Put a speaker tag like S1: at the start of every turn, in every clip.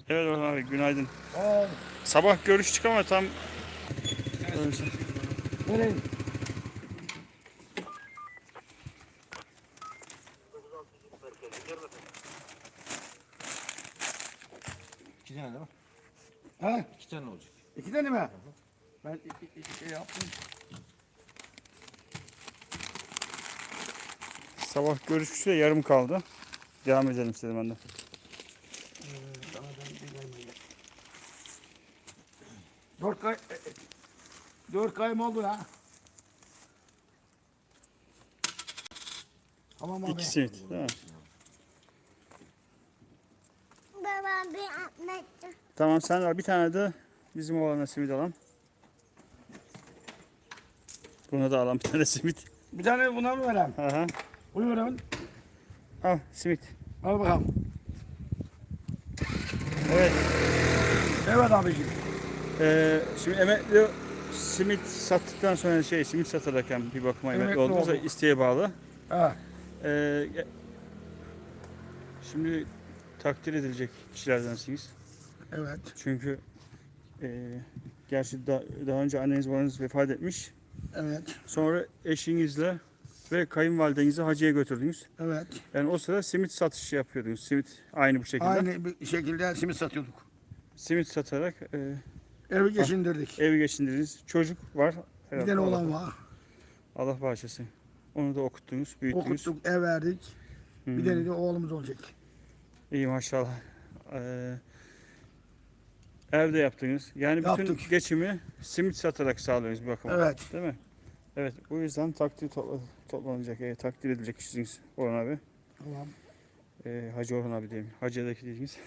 S1: Evet Orhan abi günaydın.
S2: Aa,
S1: Sabah görüştük ama tam
S2: nereye?
S3: İki tane değil mi?
S2: Ha?
S3: İki tane olacak.
S2: İki tane mi? Ben iki şey yaptım.
S1: sabah görüşmüştük de yarım kaldı. Devam edelim istedim ben de.
S2: Sana ben bir gelmeyeyim. Dört kay... Dört kayım oldu ha. Tamam abi.
S1: İki simit değil mi?
S4: Baba bir anlattı.
S1: Tamam sen ver bir tane de bizim oğlana simit alalım. Buna da alalım bir tane simit.
S2: Bir tane buna mı vereyim?
S1: Aha.
S2: Bunu vereyim.
S1: Al simit.
S2: Al bakalım.
S1: Evet.
S2: Evet abiciğim.
S1: Şimdi emekli simit sattıktan sonra simit satarken bir bakıma emekli
S2: Emekli
S1: oldunuz da
S2: olduk.
S1: isteğe bağlı.
S2: Ha.
S1: Ee, Şimdi takdir edilecek kişilerdensiniz.
S2: Evet.
S1: Çünkü gerçi daha önce anneniz babanız vefat etmiş.
S2: Evet.
S1: Sonra eşinizle ve kayınvalidenizi hacıya götürdünüz.
S2: Evet.
S1: Yani o sırada simit satışı yapıyordunuz. Simit aynı bu şekilde.
S2: Aynı bir şekilde simit satıyorduk.
S1: Simit satarak
S2: Evi geçindirdik.
S1: evi geçindirdiniz. Çocuk var.
S2: Bir tane olan var.
S1: Allah bağışlasın. Onu da okuttunuz, büyüttünüz.
S2: Okuttuk, ev verdik.
S1: Hı.
S2: Bir tane de oğlumuz olacak.
S1: İyi maşallah. Evde yaptınız. Yani bütün
S2: Yaptık.
S1: geçimi simit satarak sağlıyorsunuz bir bakıma.
S2: Evet.
S1: Değil mi? Evet. Bu yüzden toplanacak, takdir edilecek kişisiniz Orhan abi.
S2: Tamam.
S1: Hacı Orhan abi diyelim. Hacı'daki dediğiniz.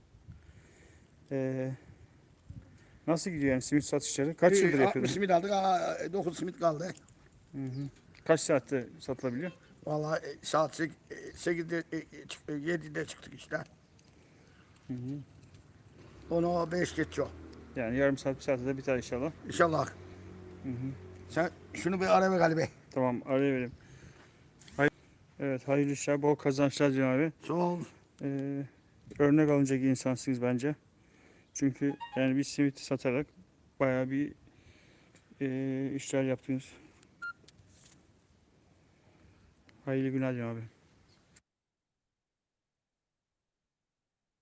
S1: Nasıl gidiyor yani simit satışları? Kaç yıldır
S2: 60
S1: yapıyordun?
S2: simit aldık. 9 simit kaldı.
S1: Hı hı. Kaç saatte satılabiliyor?
S2: Vallahi saat 8'de 7'de çıktık işte.
S1: Hı hı.
S2: Onu 5 geçiyor.
S1: Yani yarım saat, bir saatte de biter inşallah.
S2: İnşallah.
S1: Hı hı.
S2: Sen şunu bir ara ver galiba.
S1: Tamam, araya verelim. Evet, hayırlı işler, bol kazançlar diyorum abi.
S2: Sağ ol.
S1: Örnek alınacak insansınız bence. Çünkü yani bir simit satarak bayağı bir işler yaptınız. Hayırlı günler diyorum abi.